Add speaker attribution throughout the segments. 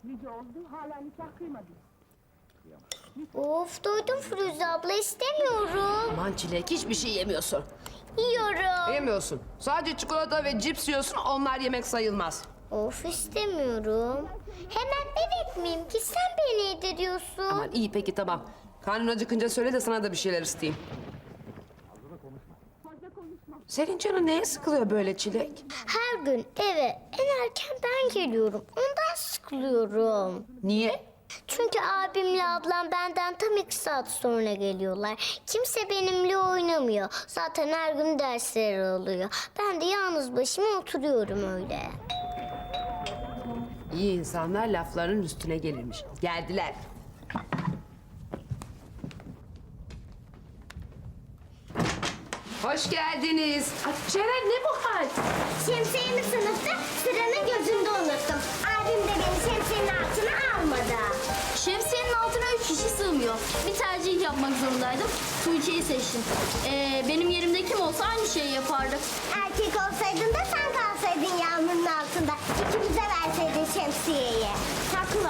Speaker 1: Nice oldu, hala nikah kıymadın.
Speaker 2: Of doydum Firuze abla istemiyorum.
Speaker 3: Aman Çilek hiçbir şey yemiyorsun.
Speaker 2: Yiyorum.
Speaker 3: Yemiyorsun. Sadece çikolata ve cips yiyorsun, onlar yemek sayılmaz.
Speaker 2: Of istemiyorum. Hemen bebek miyim ki sen beni yediriyorsun.
Speaker 3: Aman iyi peki tamam. Karnın acıkınca söyle de sana da bir şeyler isteyeyim. Senin canın neye sıkılıyor böyle Çilek?
Speaker 2: Her gün eve en erken ben geliyorum. Ondan sıkılıyorum.
Speaker 3: Niye?
Speaker 2: Çünkü abimle ablam benden tam 2 saat sonra geliyorlar. Kimse benimle oynamıyor. Zaten her gün dersleri oluyor. Ben de yalnız başıma oturuyorum öyle.
Speaker 3: İyi insanlar lafların üstüne gelirmiş. Geldiler. Hoş geldiniz. Ay, Ceren ne bu hal?
Speaker 2: Şemsiyemi sınıfta sıranın gözünde unuttum. Abim de beni şemsiyenin altına almadı.
Speaker 4: Şemsiyenin altına 3 kişi sığmıyor. Bir tercih yapmak zorundaydım. Tuğçe'yi seçtim. Benim yerimde kim olsa aynı şeyi yapardı.
Speaker 2: Erkek olsaydın da sen kalsaydın yağmurun altında. İkimize verseydin şemsiyeyi.
Speaker 4: Haklı.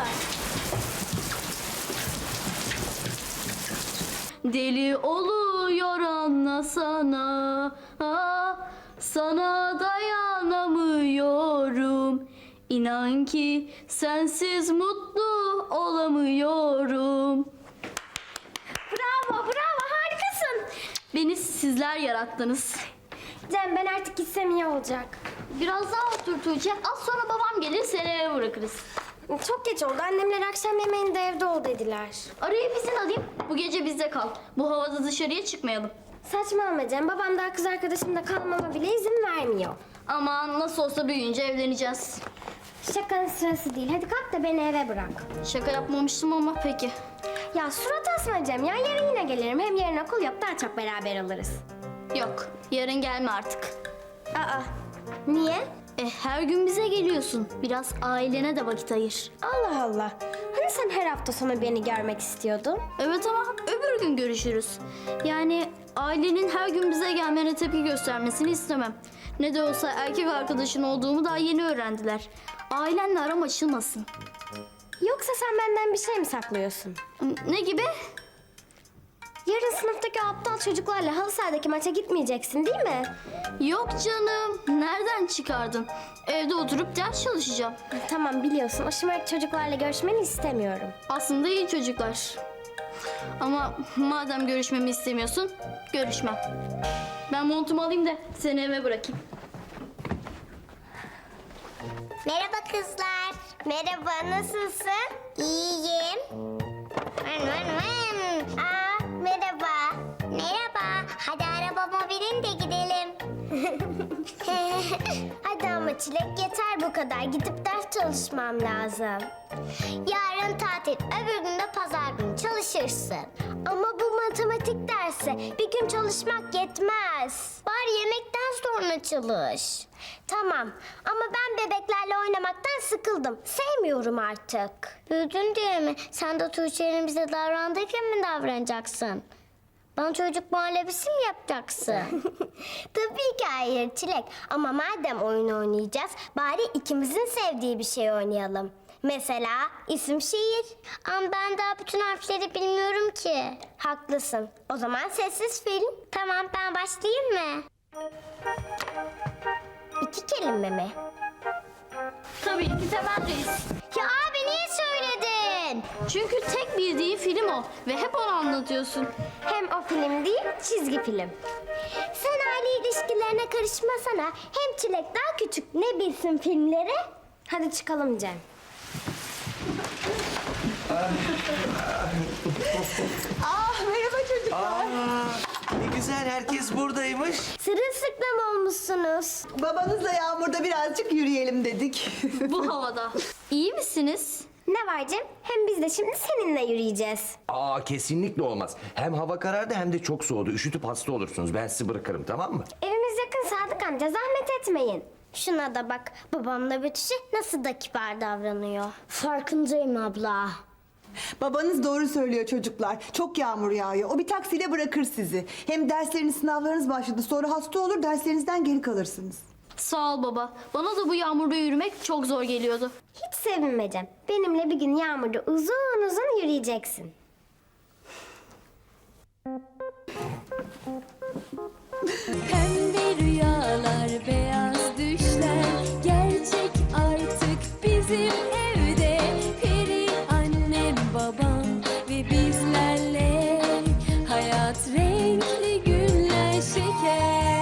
Speaker 4: Deli oluyor anlasana, ah, sana dayanamıyorum. İnan ki sensiz mutlu olamıyorum. Bravo, bravo, harikasın. Beni sizler yarattınız.
Speaker 5: Cem ben artık gitsem iyi olacak.
Speaker 4: Biraz daha otur Tuğçe. Az sonra babam gelir seni eve bırakırız.
Speaker 5: Çok geç oldu. Annemler akşam yemeğinde evde ol dediler.
Speaker 4: Arayıp izin alayım. Bu gece bizde kal. Bu havada dışarıya çıkmayalım.
Speaker 5: Saçmalama Cem. Babam daha kız arkadaşımla kalmama bile izin vermiyor.
Speaker 4: Aman nasıl olsa büyüyünce evleneceğiz.
Speaker 5: Şakanın sırası değil. Hadi kalk da beni eve bırak.
Speaker 4: Şaka yapmamıştım ama peki.
Speaker 5: Ya surat asma Cem ya. Yarın yine gelirim. Hem yarın okul yok. Daha çok beraber oluruz.
Speaker 4: Yok, yarın gelme artık.
Speaker 5: Aa. Niye?
Speaker 4: Her gün bize geliyorsun. Biraz ailene de vakit ayır.
Speaker 5: Allah Allah. Hani sen her hafta sonu beni görmek istiyordun?
Speaker 4: Evet ama öbür gün görüşürüz. Yani ailenin her gün bize gelmene tepki göstermesini istemem. Ne de olsa erkek arkadaşın olduğumu daha yeni öğrendiler. Ailenle aram açılmasın.
Speaker 5: Yoksa sen benden bir şey mi saklıyorsun?
Speaker 4: Ne gibi?
Speaker 5: Yarın sınıftaki aptal çocuklarla halı sahadaki maça gitmeyeceksin değil mi?
Speaker 4: Yok canım. Nereden çıkardın? Evde oturup ders çalışacağım.
Speaker 5: Tamam biliyorsun. O şımarık çocuklarla görüşmeni istemiyorum.
Speaker 4: Aslında iyi çocuklar. Ama madem görüşmemi istemiyorsun, görüşmem. Ben montumu alayım da seni eve bırakayım.
Speaker 2: Merhaba kızlar. Merhaba, nasılsın? İyiyim. Aa, merhaba. Merhaba. Hadi arabama binin de gidelim. Hadi ama Çilek yeter bu kadar. Gidip ders çalışmam lazım. Yarın tatil, öbür gün de pazar günü çalışırsın. Ama bu matematik dersi bir gün çalışmak yetmez. Bari yemekten sonra çalış. Tamam ama ben bebeklerle oynamaktan sıkıldım. Sevmiyorum artık. Büyüdün diye mi? Sen de Tuğçe'nin bize davrandığı gibi mi davranacaksın? Bana çocuk muhallebisi mi yapacaksın? Tabii ki hayır Çilek. Ama madem oyun oynayacağız, bari ikimizin sevdiği bir şey oynayalım. Mesela isim şiir. Ama ben daha bütün harfleri bilmiyorum ki. Haklısın. O zaman sessiz film. Tamam ben başlayayım mı? 2 kelime mi?
Speaker 4: Tabii ki Temel Reis.
Speaker 2: Ya abi niye söyledin?
Speaker 4: Çünkü tek bildiği film o ve hep onu anlatıyorsun.
Speaker 5: Hem o film değil, çizgi film.
Speaker 2: Sen aile ilişkilerine karışmasana. Hem Çilek daha küçük. Ne bilsin filmleri?
Speaker 5: Hadi çıkalım Cem.
Speaker 1: Merhaba çocuklar.
Speaker 6: Ne güzel herkes buradaymış.
Speaker 2: Sırılsıklam olmuşsunuz.
Speaker 1: Babanızla Yağmur'da birazcık yürüyelim dedik.
Speaker 4: Bu havada. İyi misiniz?
Speaker 5: Ne var Cem? Hem biz de şimdi seninle yürüyeceğiz.
Speaker 6: Aa kesinlikle olmaz. Hem hava karardı hem de çok soğudu. Üşütüp hasta olursunuz. Ben sizi bırakırım tamam mı?
Speaker 5: Evimiz yakın Sadık amca, zahmet etmeyin.
Speaker 2: Şuna da bak. Babamla Betüş'e nasıl da kibar davranıyor. Farkındayım abla.
Speaker 1: Babanız doğru söylüyor çocuklar. Çok yağmur yağıyor. O bir taksiyle bırakır sizi. Hem dersleriniz, sınavlarınız başladı. Sonra hasta olur, derslerinizden geri kalırsınız.
Speaker 4: Sağ ol baba. Bana da bu yağmurda yürümek çok zor geliyordu.
Speaker 5: Hiç sevinmeyeceğim. Benimle bir gün yağmurda uzun uzun yürüyeceksin.
Speaker 7: Pembe rüyalar, beyaz düşler gerçek artık bizim evde. Peri annem, babam ve bizlerle hayat renkli günler şeker.